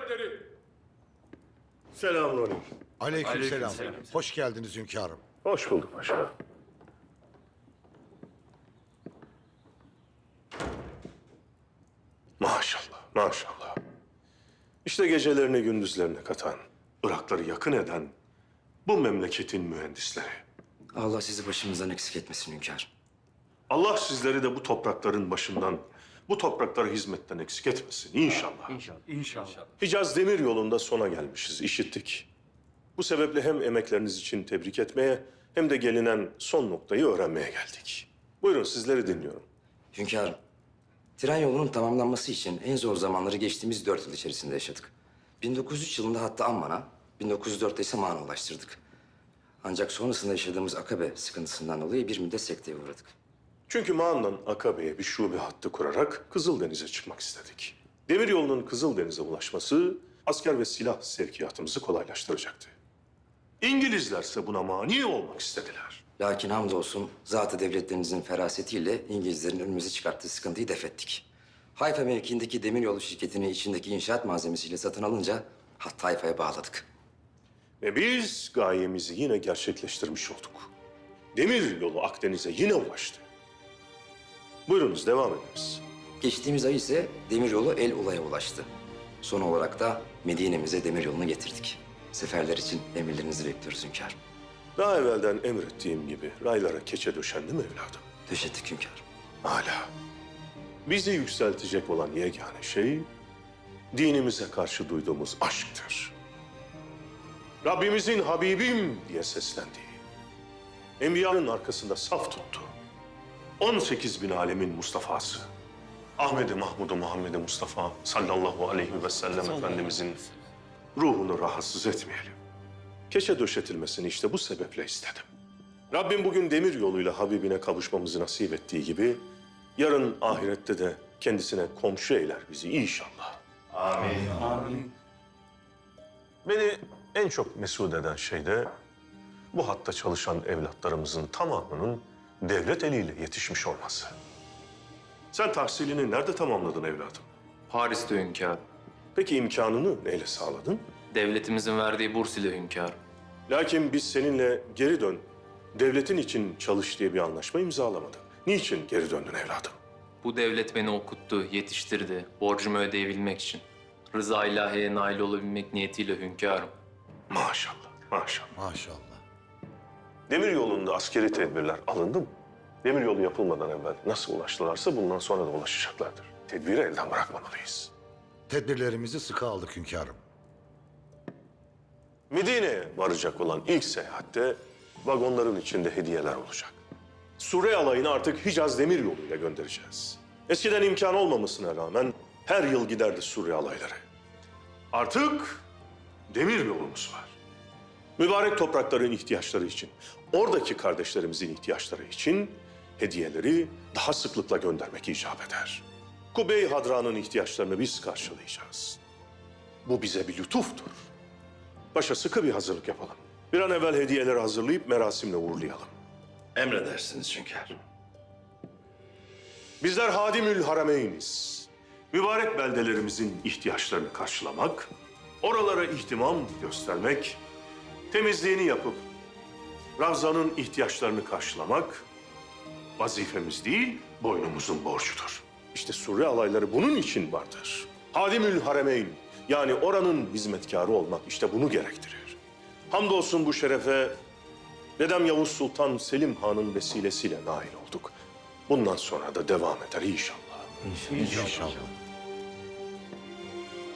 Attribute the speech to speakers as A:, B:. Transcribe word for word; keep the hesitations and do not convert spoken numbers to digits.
A: Hazretleri.
B: Selamünaleyküm.
C: Aleykümselam.
A: Aleykümselam.
C: Hoş geldiniz hünkârım.
B: Hoş bulduk paşa. Maşallah, maşallah. İşte gecelerini gündüzlerine katan, Irakları yakın eden bu memleketin mühendisleri.
D: Allah sizi başımızdan eksik etmesin hünkârım.
B: Allah sizleri de bu toprakların başından, bu topraklara hizmetten eksik etmesin inşallah.
A: İnşallah.
B: Hicaz Demir Yolu'nda sona gelmişiz, işittik. Bu sebeple hem emekleriniz için tebrik etmeye hem de gelinen son noktayı öğrenmeye geldik. Buyurun sizleri dinliyorum.
D: Hünkârım, tren yolunun tamamlanması için en zor zamanları geçtiğimiz dört yıl içerisinde yaşadık. bin dokuz yüz üç yılında hatta Amman'a, bin dokuz yüz dörtte ise Mağan'a ulaştırdık. Ancak sonrasında yaşadığımız Akabe sıkıntısından dolayı bir müddet sekteye uğradık.
B: Çünkü Mağan'dan Akabe'ye bir şube hattı kurarak Kızıldeniz'e çıkmak istedik. Demiryolu'nun Kızıldeniz'e ulaşması asker ve silah sevkiyatımızı kolaylaştıracaktı. İngilizlerse buna mani olmak istediler.
D: Lakin hamdolsun zat-ı devletlerimizin ferasetiyle İngilizlerin önümüze çıkarttığı sıkıntıyı def ettik. Hayfa mevkiindeki demiryolu şirketini içindeki inşaat malzemesiyle satın alınca hattı Hayfa'ya bağladık.
B: Ve biz gayemizi yine gerçekleştirmiş olduk. Demir yolu Akdeniz'e yine ulaştı. Buyurunuz devam ediniz.
D: Geçtiğimiz ay ise demiryolu El Ula'ya ulaştı. Son olarak da Medine'mize demiryolunu getirdik. Seferler için emirlerinizi bekliyoruz hünkârım.
B: Daha evvelden emrettiğim gibi raylara keçe döşendi mi evladım?
D: Döşettik hünkârım.
B: Hala. Bizi yükseltecek olan yegane şey dinimize karşı duyduğumuz aşktır. Rabbimizin Habibim diye seslendiği, Enbiya'nın arkasında saf tuttu. on sekiz bin alemin Mustafa'sı, Ahmed-i Mahmud-u Muhammed-i Mustafa sallallahu aleyhi ve sellem Efendimizin ruhunu rahatsız etmeyelim. Keçe döşetilmesini işte bu sebeple istedim. Rabbim bugün demir yoluyla Habibine kavuşmamızı nasip ettiği gibi, yarın ahirette de kendisine komşu eyler bizi inşallah.
A: Amin. Amin.
B: Beni en çok mesut eden şey de bu hatta çalışan evlatlarımızın tamamının devlet eliyle yetişmiş olması. Sen tahsilini nerede tamamladın evladım?
E: Paris'te hünkârım.
B: Peki imkanını neyle sağladın?
E: Devletimizin verdiği burs ile hünkârım.
B: Lakin biz seninle geri dön, devletin için çalış diye bir anlaşma imzalamadık. Niçin geri döndün evladım?
E: Bu devlet beni okuttu, yetiştirdi, borcumu ödeyebilmek için. Rıza ilahiye nail olabilmek niyetiyle hünkârım.
B: Maşallah, maşallah.
C: Maşallah.
B: Demir yolunda askeri tedbirler alındı mı? Demir yolu yapılmadan evvel nasıl ulaştılarsa bundan sonra da ulaşacaklardır. Tedbiri elden bırakmamalıyız.
C: Tedbirlerimizi sıkı aldık hünkârım.
B: Medine'ye varacak olan ilk seyahatte vagonların içinde hediyeler olacak. Sure alayını artık Hicaz demir yoluyla göndereceğiz. Eskiden imkan olmamasına rağmen her yıl giderdi Sure alayları. Artık demir yolumuz var. Mübarek toprakların ihtiyaçları için, oradaki kardeşlerimizin ihtiyaçları için hediyeleri daha sıklıkla göndermek icap eder. Kubey Hadra'nın ihtiyaçlarını biz karşılayacağız. Bu bize bir lütuftur. Başa sıkı bir hazırlık yapalım. Bir an evvel hediyeleri hazırlayıp merasimle uğurlayalım.
D: Emredersiniz hünkârım.
B: Bizler Hadimül Harameyniz. Mübarek beldelerimizin ihtiyaçlarını karşılamak, oralara ihtimam göstermek, temizliğini yapıp Ravza'nın ihtiyaçlarını karşılamak vazifemiz değil, boynumuzun borcudur. İşte Sure alayları bunun için vardır. Hadimül Harameyn, yani oranın hizmetkarı olmak işte bunu gerektirir. Hamdolsun bu şerefe dedem Yavuz Sultan Selim Han'ın vesilesiyle nail olduk. Bundan sonra da devam eder inşallah.
C: İnşallah.